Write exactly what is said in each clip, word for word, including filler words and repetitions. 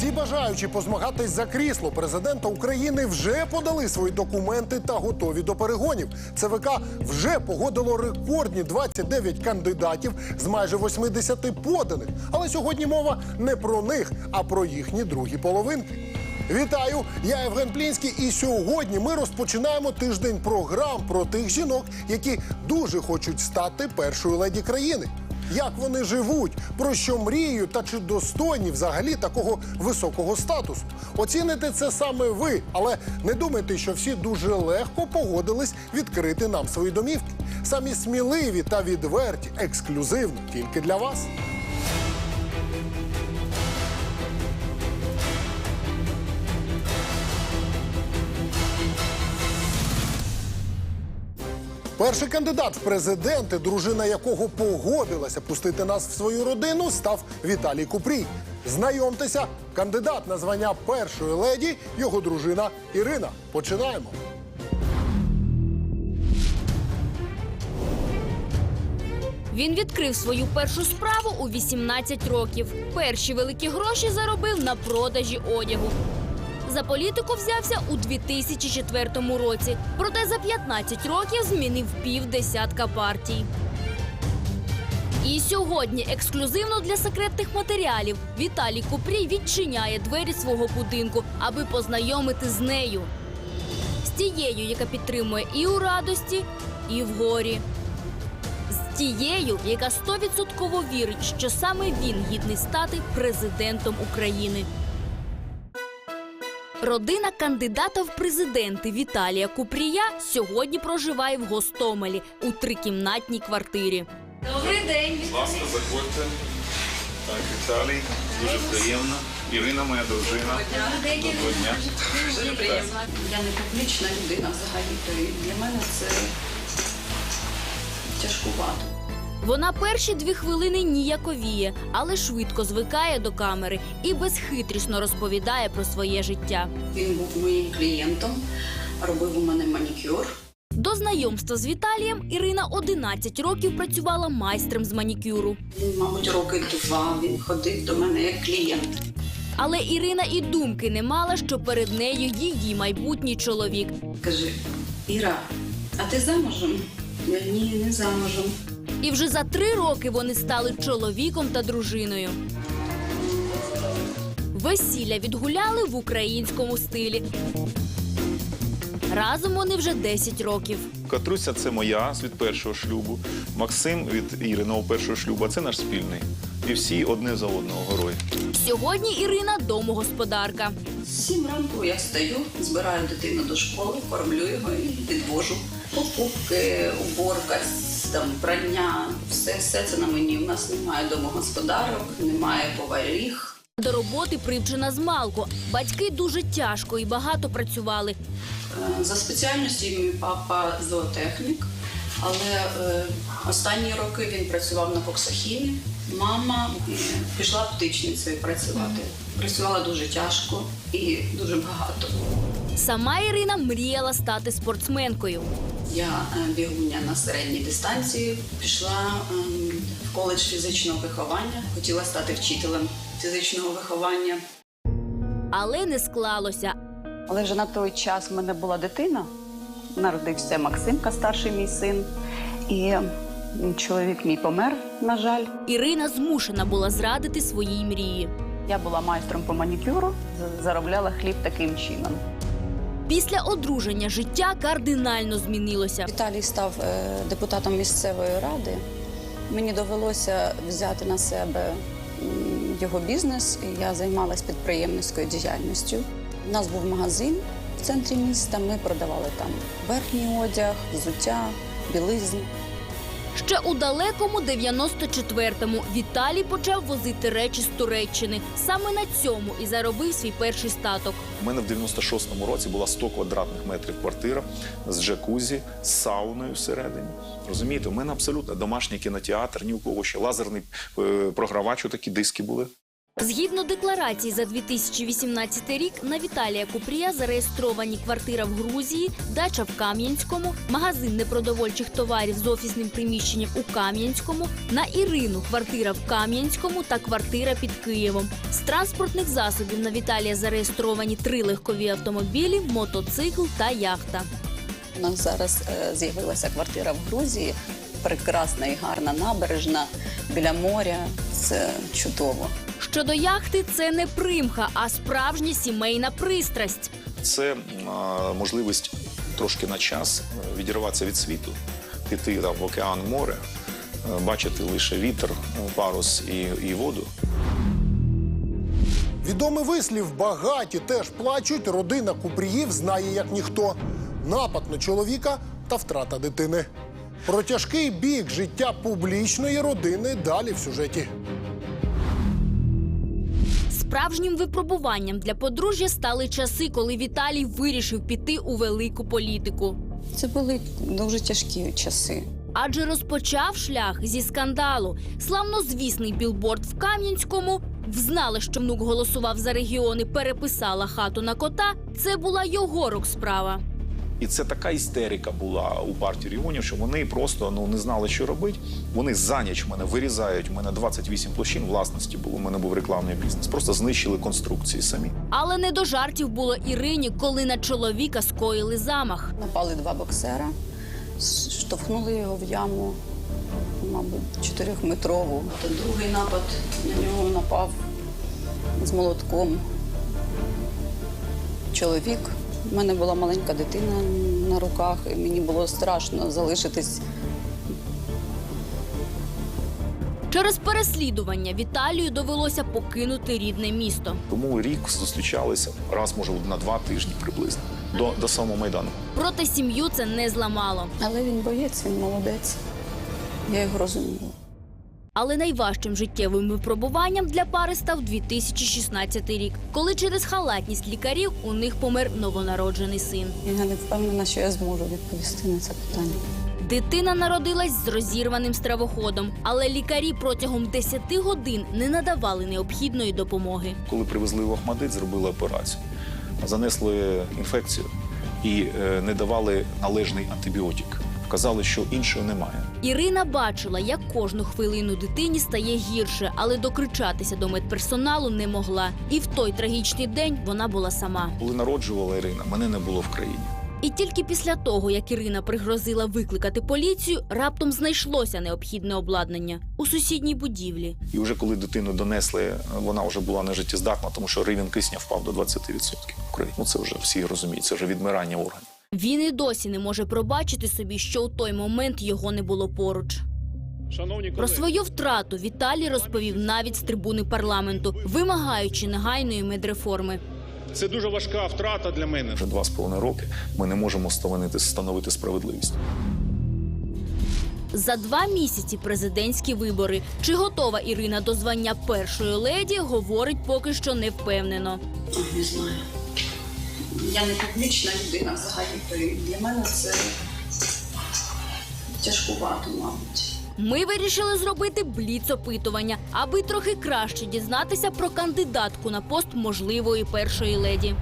Всі бажаючі позмагатись за крісло президента України вже подали свої документи та готові до перегонів. ЦВК вже погодило рекордні двадцять дев'ять кандидатів з майже восьмидесяти поданих. Але сьогодні мова не про них, а про їхні другі половинки. Вітаю! Я Євген Плінський, і сьогодні ми розпочинаємо тиждень програм про тих жінок, які дуже хочуть стати першою леді країни. Як вони живуть, про що мріють та чи достойні взагалі такого високого статусу. Оціните це саме ви, але не думайте, що всі дуже легко погодились відкрити нам свої домівки. Самі сміливі та відверті, ексклюзивно, тільки для вас. Перший кандидат в президенти, дружина якого погодилася пустити нас в свою родину, став Віталій Купрій. Знайомтеся, кандидат на звання першої леді, його дружина Ірина. Починаємо. Він відкрив свою першу справу у вісімнадцять років. Перші великі гроші заробив на продажі одягу. За політику взявся у дві тисячі четвертому році, проте за п'ятнадцять років змінив півдесятка партій. І сьогодні ексклюзивно для секретних матеріалів Віталій Купрій відчиняє двері свого будинку, аби познайомити з нею. З тією, яка підтримує і у радості, і в горі. З тією, яка стовідсотково вірить, що саме він гідний стати президентом України. Родина кандидата в президенти Віталія Купрія сьогодні проживає в Гостомелі у трикімнатній квартирі. Добрий день! Будь ласка, заходьте. Так, Віталій, дуже приємно. Ірина, моя дружина. Доброго дня. Дуже приємно. Я не публічна людина взагалі, то і для мене це тяжкувато. Вона перші дві хвилини ніяковіє, але швидко звикає до камери і безхитрісно розповідає про своє життя. Він був моїм клієнтом, робив у мене манікюр. До знайомства з Віталієм Ірина одинадцять років працювала майстром з манікюру. Він, мабуть, роки два, він ходив до мене як клієнт. Але Ірина і думки не мала, що перед нею її майбутній чоловік. Каже: Іра, а ти замужем? Я ні, не замужем. І вже за три роки вони стали чоловіком та дружиною. Весілля відгуляли в українському стилі. Разом вони вже десять років. Катруся – це моя від першого шлюбу. Максим від Іриного першого шлюбу, а це наш спільний. І всі одне за одного герої. Сьогодні Ірина домогосподарка. Сім ранку я встаю, збираю дитину до школи, кормлю його і відвожу. Покупки, уборка, там, прання, все, все це на мені. У нас немає домогосподарок, немає поварів. До роботи привчена змалку. Батьки дуже тяжко і багато працювали. За спеціальністю мій папа зоотехнік, але е, останні роки він працював на коксохімі. Мама е, пішла птичницею працювати. Працювала дуже тяжко і дуже багато. Сама Ірина мріяла стати спортсменкою. Я е, бігуня на середній дистанції, пішла е, в коледж фізичного виховання, хотіла стати вчителем фізичного виховання. Але не склалося. Але вже на той час в мене була дитина, народився Максимка, старший мій син, і чоловік мій помер, на жаль. Ірина змушена була зрадити своїй мрії. Я була майстром по манікюру, заробляла хліб таким чином. Після одруження життя кардинально змінилося. Віталій став депутатом місцевої ради. Мені довелося взяти на себе його бізнес, і я займалась підприємницькою діяльністю. У нас був магазин в центрі міста, ми продавали там верхній одяг, взуття, білизну. Ще у далекому дев'яносто четвертому Віталій почав возити речі з Туреччини. Саме на цьому і заробив свій перший статок. У мене в дев'яносто шостому році була сто квадратних метрів квартира з джакузі, з сауною всередині. Розумієте, у мене абсолютно домашній кінотеатр, ні у кого ще лазерний е, програвач, такі диски були. Згідно декларації за дві тисячі вісімнадцятий рік, на Віталія Купрія зареєстровані квартира в Грузії, дача в Кам'янському, магазин непродовольчих товарів з офісним приміщенням у Кам'янському, на Ірину квартира в Кам'янському та квартира під Києвом. З транспортних засобів на Віталія зареєстровані три легкові автомобілі, мотоцикл та яхта. У нас зараз е, з'явилася квартира в Грузії, прекрасна і гарна набережна, біля моря. Це чудово. Щодо яхти, це не примха, а справжня сімейна пристрасть. Це а, можливість трошки на час відірватися від світу, піти там, в океан, море, а, бачити лише вітер, парус і, і воду. Відомий вислів «багаті теж плачуть» родина Купріїв знає як ніхто. Напад на чоловіка та втрата дитини. Про тяжкий бік життя публічної родини далі в сюжеті. Справжнім випробуванням для подружжя стали часи, коли Віталій вирішив піти у велику політику. Це були дуже тяжкі часи. Адже розпочав шлях зі скандалу. Славнозвісний білборд в Кам'янському, взнали, що внук голосував за регіони, переписала хату на кота. Це була його рук справа. І це така істерика була у партії регіонів, що вони просто ну, не знали, що робити. Вони за ніч мене вирізають, у мене двадцять вісім площин власності було, у мене був рекламний бізнес. Просто знищили конструкції самі. Але не до жартів було Ірині, коли на чоловіка скоїли замах. Напали два боксера, штовхнули його в яму, мабуть, чотирьохметрову. Та другий напад на нього напав з молотком чоловік. У мене була маленька дитина на руках, і мені було страшно залишитись. Через переслідування Віталію довелося покинути рідне місто. Тому рік зустрічалися раз, може, на два тижні приблизно, до, до самого Майдану. Проте сім'ю це не зламало. Але він боєць, він молодець. Я його розумію. Але найважчим життєвим випробуванням для пари став дві тисячі шістнадцятий рік, коли через халатність лікарів у них помер новонароджений син. Я не впевнена, що я зможу відповісти на це питання. Дитина народилась з розірваним стравоходом, але лікарі протягом десяти годин не надавали необхідної допомоги. Коли привезли в Охмадит, зробили операцію. Занесли інфекцію і е, не давали належний антибіотик. Казали, що іншого немає. Ірина бачила, як кожну хвилину дитині стає гірше, але докричатися до медперсоналу не могла. І в той трагічний день вона була сама. Коли народжувала Ірина, мене не було в країні. І тільки після того, як Ірина пригрозила викликати поліцію, раптом знайшлося необхідне обладнання у сусідній будівлі. І вже коли дитину донесли, вона вже була нежиттєздатна, тому що рівень кисня впав до двадцяти відсотків в Україні. Ну це вже всі розуміють, це вже відмирання органів. Він і досі не може пробачити собі, що у той момент його не було поруч. Про свою втрату Віталій розповів навіть з трибуни парламенту, вимагаючи негайної медреформи. Це дуже важка втрата для мене. Вже два з половиною роки ми не можемо встановити, встановити справедливість. За два місяці президентські вибори. Чи готова Ірина до звання першої леді, говорить поки що не впевнено. Не знаю. Я не публічна людина взагалі, то для мене це тяжкувато, мабуть. Ми вирішили зробити бліц-опитування, аби трохи краще дізнатися про кандидатку на пост можливої першої леді.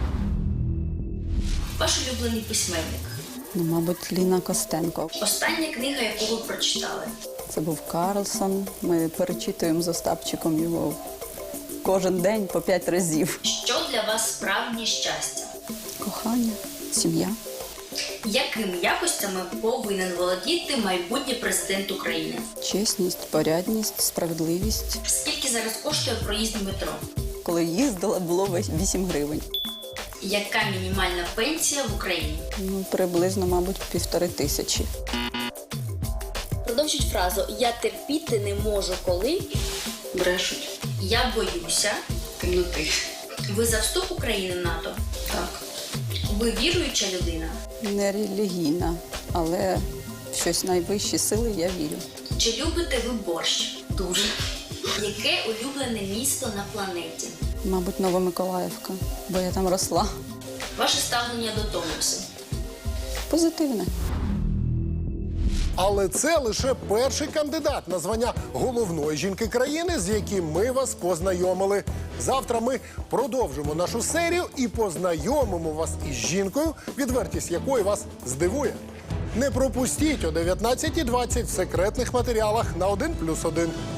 Ваш улюблений письменник? Ну, мабуть, Ліна Костенко. Остання книга, яку ви прочитали? Це був Карлсон. Ми перечитуємо з Остапчиком його кожен день по п'ять разів. Що для вас справжнє щастя? Кохання, сім'я. Якими якостями повинен володіти майбутній президент України? Чесність, порядність, справедливість. Скільки зараз коштує проїзд в метро? Коли їздила, було вісім гривень. Яка мінімальна пенсія в Україні? Ну, приблизно, мабуть, півтори тисячі. Продовжіть фразу «Я терпіти не можу, коли…» Брешуть. «Я боюся». Темноти. Ви за вступ України в НАТО? Так. Ви віруюча людина? Не релігійна, але в щось найвищі сили я вірю. Чи любите ви борщ? Дуже. Яке улюблене місто на планеті? Мабуть, Новомиколаївка, бо я там росла. Ваше ставлення до Томосу? Позитивне. Але це лише перший кандидат на звання головної жінки країни, з яким ми вас познайомили. Завтра ми продовжимо нашу серію і познайомимо вас із жінкою, відвертість якої вас здивує. Не пропустіть о дев'ятнадцятій двадцять в секретних матеріалах на один плюс один.